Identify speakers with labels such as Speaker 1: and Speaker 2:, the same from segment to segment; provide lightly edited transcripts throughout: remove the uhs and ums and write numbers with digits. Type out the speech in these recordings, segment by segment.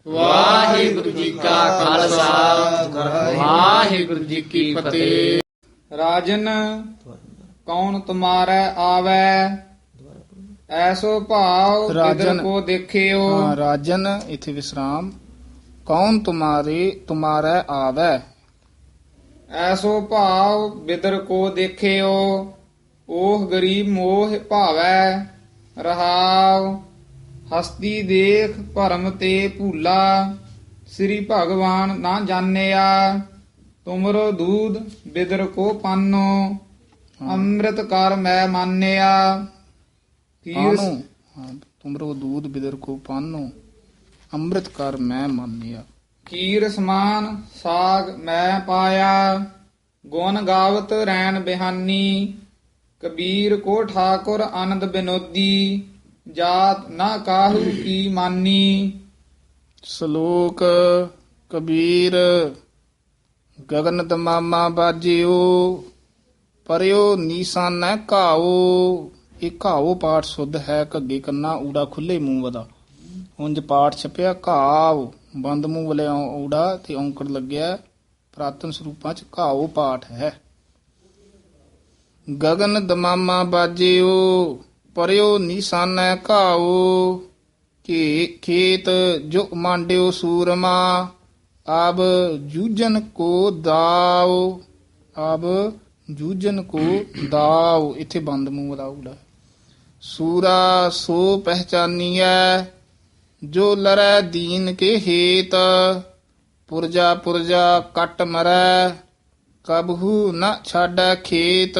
Speaker 1: ਵਾਹਿਗੁਰੂ ਜੀ ਕਾ ਖਾਲਸਾ ਵਾਹਿਗੁਰੂ ਜੀ ਕੀ ਫਤਿਹ।
Speaker 2: ਰਾਜਨ ਕੌਣ ਤੁਮਾਰੈ ਆਵੈ, ਐਸੋ ਭਾਵ ਕਿਦਰ
Speaker 3: ਰਾਜਨ।
Speaker 2: ਕੋ ਦੇਖਿਓ।
Speaker 3: ਹਾਂ, ਰਾਜਨ ਇਥੇ ਵਿਸਰਾਮ। ਕੌਣ ਤੁਮਾਰੇ ਆਵੈ,
Speaker 2: ਐਸੋ ਭਾਵ ਬਿਦਰ ਕੋ ਦੇਖਿਓ, ਓਹ ਗਰੀਬ ਮੋਹ ਭਾਵੈ। ਰਹਾਉ ਹਸਤੀ ਦੇਖ ਭਰਮ ਤੇ ਭੂਲਾ, ਸ੍ਰੀ ਭਗਵਾਨ ਨਾ ਜਾਣਿਆ। ਤੁਮਰੋ ਦੂਧ ਬਿਦਰ ਕੋ ਪਾਨੋ, ਅੰਮ੍ਰਿਤ ਕਰ ਮੈਂ ਮਾਨਿਆ।
Speaker 3: ਪਾਨੋ। ਹਾਂ, ਤੁਮਰੋ ਦੂਧ ਬਿਦਰ ਕੋ ਪਾਨੋ, ਅੰਮ੍ਰਿਤ ਕਰ ਮੈਂ ਮਾਨਿਆ।
Speaker 2: ਖੀਰ ਸਮਾਨ ਸਾਗ ਮੈਂ ਪਾਇਆ, ਗੁਣ ਗਾਵਤ ਰੈਣ ਬਿਹਾਨੀ। ਕਬੀਰ ਕੋ ਠਾਕੁਰ ਆਨੰਦ ਬਿਨੋਦੀ, ਜਾਤ ਨਾ ਕਾਹੂ ਕੀ ਮਾਨੀ।
Speaker 3: ਸ਼ਲੋਕ ਕਬੀਰ ਗਗਨ ਤਮਾਮਾ ਬਾਜਿਓ, ਪਰਿਓ ਨੀਸਾਨੈ ਘਾਓ। ਇਹ ਘਾਓ ਪਾਠ ਸੁਧ ਹੈ, ਘੱਗੇ ਕੰਨਾ ਊੜਾ ਖੁੱਲੇ ਮੂੰਹ ਵਦਾ। ਉਂਝ ਪਾਠ ਛਪਿਆ ਘਾਵ, ਬੰਦ ਮੂੰਹ ਵਾਲੇ ਊੜਾ ਤੇ ਔਂਕੜ ਲੱਗਿਆ। ਪ੍ਰਾਤਨ ਸਰੂਪਾਂ ਚ ਘਾਓ ਪਾਠ ਹੈ। ਗਗਨ ਦਮਾਮਾ ਬਾਜਿਓ, ਪਰਿਓ ਨੀਸਾਨੈ ਘਾਓ। ਕਿ ਖੇਤ ਜੋ ਮਾਂਡਿਓ ਸੂਰਮਾ, ਆਬ ਜੂਜਨ ਕੋ ਦਾਓ। ਆਬ ਜੂਜਨ ਕੋ ਦਾਓ, ਇੱਥੇ ਬੰਦ ਮੂੰਹ ਦਾ ਊੜਾ। ਸੂਰਾ ਸੋ ਪਹਿਚਾਨੀਐ, ਜੋ ਲਰੈ ਦੀਨ ਕੇ ਹੇਤ। ਪੁਰਜਾ ਪੁਰਜਾ ਕੱਟ ਮਰੈ, ਕਬਹੂ ਨ ਛਾਡੈ ਖੇਤ।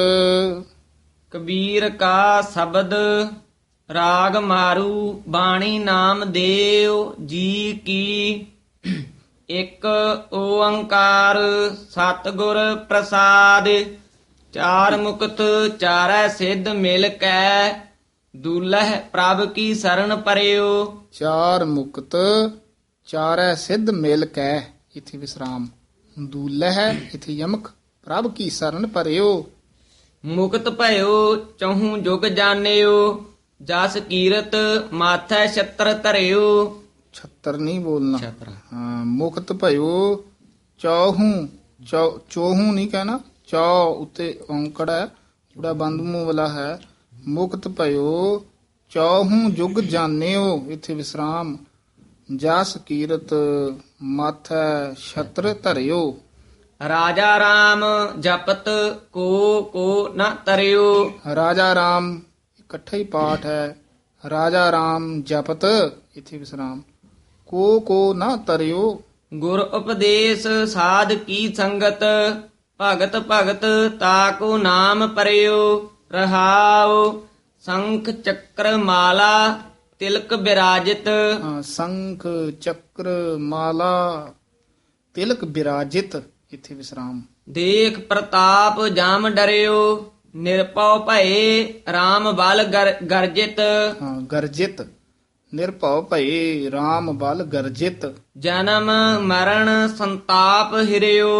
Speaker 1: ਕਬੀਰ ਕਾ ਸ਼ਬਦ ਰਾਗ ਮਾਰੂ, ਬਾਣੀ ਨਾਮ ਦੇਵ ਜੀ ਕੀ। ਇੱਕ ਓੰਕਾਰ ਸਤਿਗੁਰ ਪ੍ਰਸਾਦ, ਚਾਰ ਮੁਕਤ ਚਾਰੈ ਸਿੱਧ ਮਿਲ ਕੈ। ਦੁਲਹ ਪ੍ਰਭ ਕੀ ਸਰਣ ਪਰਿਓ,
Speaker 3: ਚਾਰ ਮੁਕਤ ਚਾਰੈ ਸਿੱਧ ਮਿਲ ਕੈ। ਇਥੇ ਵਿਸਰਾਮ। ਦੂਲਹ ਇਥੇ ਯਮਕ, ਪ੍ਰਭ ਕੀ ਸਰਨ ਪਰਿਓ।
Speaker 1: ਮੁਕਤ ਭਇਓ ਚਹੂ ਜੁਗ ਜਾਣਿਓ, ਜਸ ਕੀਰਤ ਮਾਥੈ ਛਤਰ ਧਰਿਓ।
Speaker 3: ਛੱਤਰ ਨਹੀਂ ਬੋਲਣਾ।
Speaker 1: ਛਤਰ।
Speaker 3: ਹਾਂ, ਮੁਕਤ ਭਇਓ ਚੌਹੂ, ਚੌਹੂ ਨਹੀਂ ਕਹਿਣਾ। ਚੌ ਉੱਤੇ ਔਂਕੜ ਹੈ, ਜਿਹੜਾ ਬੰਦ ਮੂੰਹ ਵਾਲਾ ਹੈ। ਮੁਕਤ ਭਇਓ ਚੌਹੂ ਜੁਗ ਜਾਣਿਓ, ਇਥੇ ਵਿਸਰਾਮ। ਜਸ ਕੀਰਤ ਮਾਥੈ ਛਤਰ ਧਰਿਓ।
Speaker 1: ਰਾਜਾ ਰਾਮ ਜਪਤ ਕੋ ਨ ਤਰਿਓ।
Speaker 3: ਰਾਜਾ ਰਾਮ ਇਕੱਠਾ ਹੀ ਪਾਠ ਹੈ। ਰਾਜਾ ਰਾਮ ਜਪਤ, ਇਥੇ ਵਿਸਰਾਮ। ਕੋ ਨਾ ਤਰਿਓ।
Speaker 1: ਗੁਰ ਉਪਦੇਸ਼ ਸਾਧ ਕੀ ਸੰਗਤ, ਭਗਤ ਭਗਤ ਤਾਕੋ ਨਾਮ ਪਰਿਓ। ਰਹਾਉ ਸੰਖ ਚੱਕਰ ਮਾਲਾ ਤਿਲਕ ਬਿਰਾਜਿਤ।
Speaker 3: ਹਾਂ, ਸੰਖ ਚੱਕਰ ਮਾਲਾ ਤਿਲਕ ਬਿਰਾਜਿਤ, ਇਥੇ ਵਿਸਰਾਮ।
Speaker 1: ਦੇਖ ਪ੍ਰਤਾਪ ਜਾਮ ਡਰਿਓ, ਨਿਰਪਉ ਭਏ RAM ਬਲ ਗਰਜਿਤ।
Speaker 3: ਹਾਂ, ਗਰਜਿਤ। ਨਿਰਭਉ ਭਏ RAM ਬਲ ਗਰਜਿਤ।
Speaker 1: ਜਨਮ ਮਰਨ ਸੰਤਾਪ ਹਿਰਿਓ,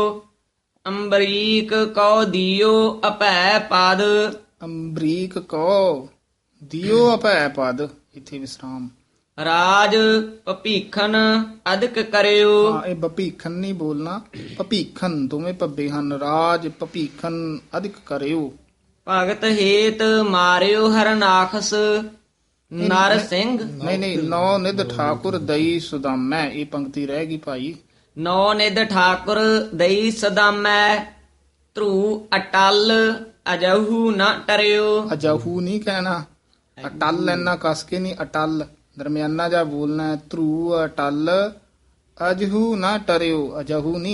Speaker 1: ਅੰਬਰੀਕ ਕਉ ਦਿਓ ਅਭੈ ਪਦ।
Speaker 3: ਅੰਬਰੀਕ ਕੋ ਦਿਓ ਅਭੈ ਪਦ, ਇਥੇ ਵਿਸਰਾਮ।
Speaker 1: ਰਾਜ ਭਪੀਖਨ ਅਦਕ ਕਰਿਓ।
Speaker 3: ਹਾਂ, ਇਹ ਭਪੀਖਨ ਨਹੀਂ ਬੋਲਣਾ। ਭਪੀਖਨ ਦੋਵੇਂ ਭੱਬੇ ਹਨ। ਰਾਜ ਭਪੀਖਨ ਅਧਿਕ ਕਰਿਓ।
Speaker 1: ਭਗਤ ਹੇਤ ਮਾਰਿਓ ਹਰਨਾਖਸ, ਨਰ ਸਿੰਘ।
Speaker 3: ਨਹੀਂ, ਨੌ ਨਿਧ ਠਾਕੁਰ ਦਈ ਸੁਦਾਮੈ, ਇਹ ਪੰਕਤੀ ਰਹਿ ਗਈ ਭਾਈ।
Speaker 1: ਨੌ ਨਿਧ ਠਾਕੁਰ ਦਈ ਸਦਾਮੈ, ਧਰੂ ਅਟਲ ਅਜਹੂ ਨ ਟਰਿਓ।
Speaker 3: ਅਜਹੂ ਨਹੀਂ ਕਹਿਣਾ। ਅਟਲ ਇੰਨਾ ਕਸ ਕੇ ਨਹੀਂ, ਅਟਲ ਦਰਮਿਆਨਾ ਜਾ ਬੋਲਣਾ ਹੈ। ਧਰੂ ਅਟਲ ਅਜਹੂ ਨਾ ਟਰਿਓ, ਅਜਹੂ ਨਹੀਂ।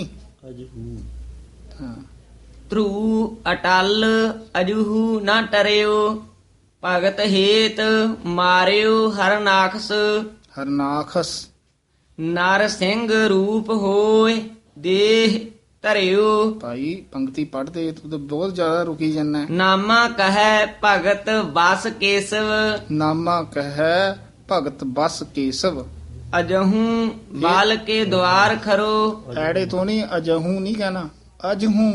Speaker 3: ਹਾਂ,
Speaker 1: ਧਰੂ ਅਟਲ ਅਜਹੂ ਨ ਟਰਿਓ। ਭਗਤ ਹੇਤ ਮਾਰਿਓ ਹਰਨਾਖਸ,
Speaker 3: ਹਰਨਾਖਸ।
Speaker 1: ਨਰ ਸਿੰਘ ਰੂਪ ਹੋਏ ਦੇਹ ਧਰਿਓ।
Speaker 3: ਭਾਈ ਪੰਕਤੀ ਪੜ੍ਹਦੇ ਤੂੰ ਤਾਂ ਬਹੁਤ ਜ਼ਿਆਦਾ ਰੁਕੀ ਜਾਂਦਾ।
Speaker 1: ਨਾਮਾ ਕਹੈ ਭਗਤ ਬਸ ਕੇਸਵ,
Speaker 3: ਨਾਮਾ ਕਹੈ ਭਗਤ ਬਸ ਕੇਸਵ।
Speaker 1: ਅਜਹੂ ਬਾਲ ਕੇ ਦਵਾਰ ਖਰੋ।
Speaker 3: ਐੜੇ ਤੋਂ ਨਹੀਂ, ਅਜਹੂ ਨਹੀਂ ਕਹਿਣਾ। ਅਜਹੂ,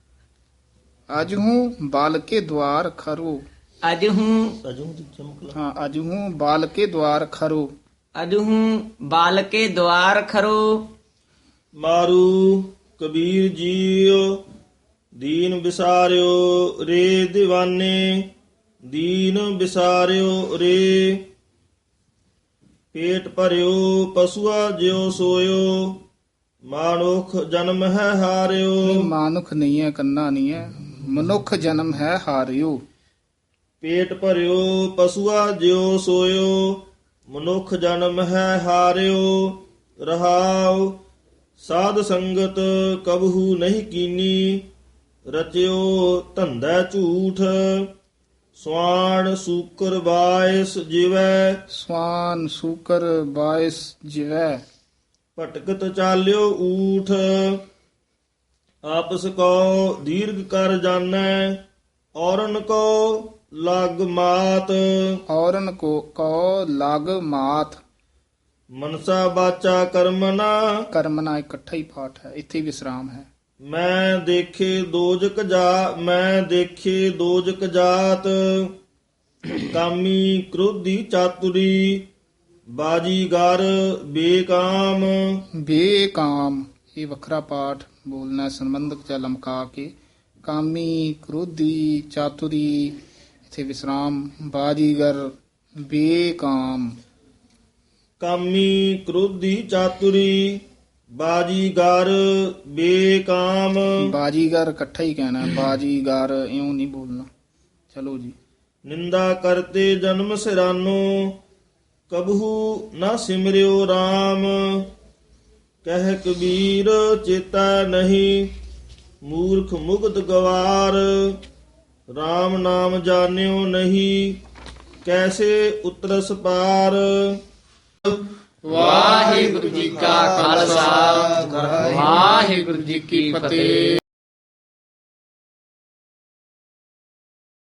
Speaker 3: ਅਜਹੂ ਬਾਲ ਕੇ ਦਵਾਰ ਖਰੋ।
Speaker 1: ਅਜਹੂ
Speaker 3: ਹਾਂ, ਅਜਹੂ ਬਾਲ ਕੇ ਦਵਾਰ ਖਰੋ।
Speaker 4: ਅਜਹੂ ਬਾਲ ਕੇ ਦੁਆਰ ਖਰੋ।
Speaker 5: ਮਾਰੂ ਕਬੀਰ ਜੀਉ ਦੀਨ ਵਿਸਾਰਿਓ ਰੇ ਦੀਵਾਨੇ, ਦੀਨ ਵਿਸਾਰਿਓ ਰੇ। ਪੇਟ ਭਰਿਓ ਪਸ਼ੂਆ ਜਿਉ ਸੋਇਓ, ਮਾਨੁਖ ਜਨਮ ਹੈ ਹਾਰਿਓ।
Speaker 3: ਮਾਨੁਖ ਨਹੀਂ ਹੈ, ਕੰਨਾ ਨਹੀਂ ਹੈ, ਮਨੁੱਖ ਜਨਮ ਹੈ ਹਾਰਿਓ।
Speaker 5: ਪੇਟ ਭਰਿਓ ਪਸ਼ੂਆ ਜਿਉ ਸੋਇਓ, ਮਨੁੱਖ ਜਨਮ ਹੈ ਹਾਰਿਓ। ਰਹਾਉ ਸਾਧ ਸੰਗਤ ਕਬਹੂ ਨਹੀਂ ਕੀਨੀ, ਰਚਿਓ ਧੰਦਾ ਝੂਠ। ਸਵਾਣ ਸੂਕਰ ਬਾਇਸ ਜਿਵੈ,
Speaker 3: ਸਵਾਨ ਸੂਕਰ ਬਾਇਸ ਜਿਵੈ।
Speaker 5: ਭਟਕਤ ਚਾਲਿਓ ਊਠ। ਆਪਸ ਕੋ ਦੀਰਘ ਕਰ ਜਾਣੈ, ਔਰਨ ਕੋ ਲਗ ਮਾਤ।
Speaker 3: ਔਰਨ ਕੋ ਲਗ ਮਾਤ।
Speaker 5: ਮਨਸਾ ਬਾਚਾ ਕਰਮਨਾ,
Speaker 3: ਕਰਮਨਾ ਇਕੱਠਾ ਹੀ ਪਾਠ ਹੈ, ਇੱਥੇ ਵਿਸਰਾਮ ਹੈ।
Speaker 5: ਮੈਂ ਦੇਖੇ ਦੋਜਕ ਜਾਤ। ਕਾਮੀ ਕ੍ਰੋਧੀ ਚਾਤੁਰੀ, ਬਾਜੀਗਰ ਬੇਕਾਮ।
Speaker 3: ਬੇਕਾਮ ਇਹ ਵੱਖਰਾ ਪਾਠ ਬੋਲਣਾ, ਸੰਬੰਧਕ ਜਾਂ ਲਮਕਾ ਕੇ। ਕਾਮੀ ਕ੍ਰੋਧੀ ਚਾਤੁਰੀ, ਇੱਥੇ ਵਿਸਰਾਮ। ਬਾਜੀਗਰ ਬੇਕਾਮ।
Speaker 5: ਕਾਮੀ ਕ੍ਰੋਧੀ ਚਾਤੁਰੀ, ਬਾਜੀਗਰ ਬੇਕਾਮ।
Speaker 3: ਬਾਜੀਗਰ ਇਕੱਠਾ ਹੀ ਕਹਿਣਾ, ਬਾਜੀਗਰ ਇਉਂ ਨਹੀਂ ਬੋਲਣਾ। ਚਲੋ ਜੀ।
Speaker 5: ਨਿੰਦਾ ਕਰਤੇ ਜਨਮ ਸਿਰਾਨੋ, ਕਬਹੂ ਨਾ ਸਿਮਰਿਓ RAM। ਕਹਿ ਕਬੀਰ ਚੇਤਾ ਨਹੀਂ, ਮੂਰਖ ਮੁਗਧ ਗਵਾਰ। RAM ਨਾਮ ਜਾਣਿਓ ਨਹੀਂ, ਕੈਸੇ ਉਤਰਸ ਪਾਰ।
Speaker 1: ਵਾਹਿਗੁਰੂ ਜੀ ਕਾ ਖਾਲਸਾ ਵਾਹਿਗੁਰੂ ਜੀ ਕੀ ਫਤਿਹ।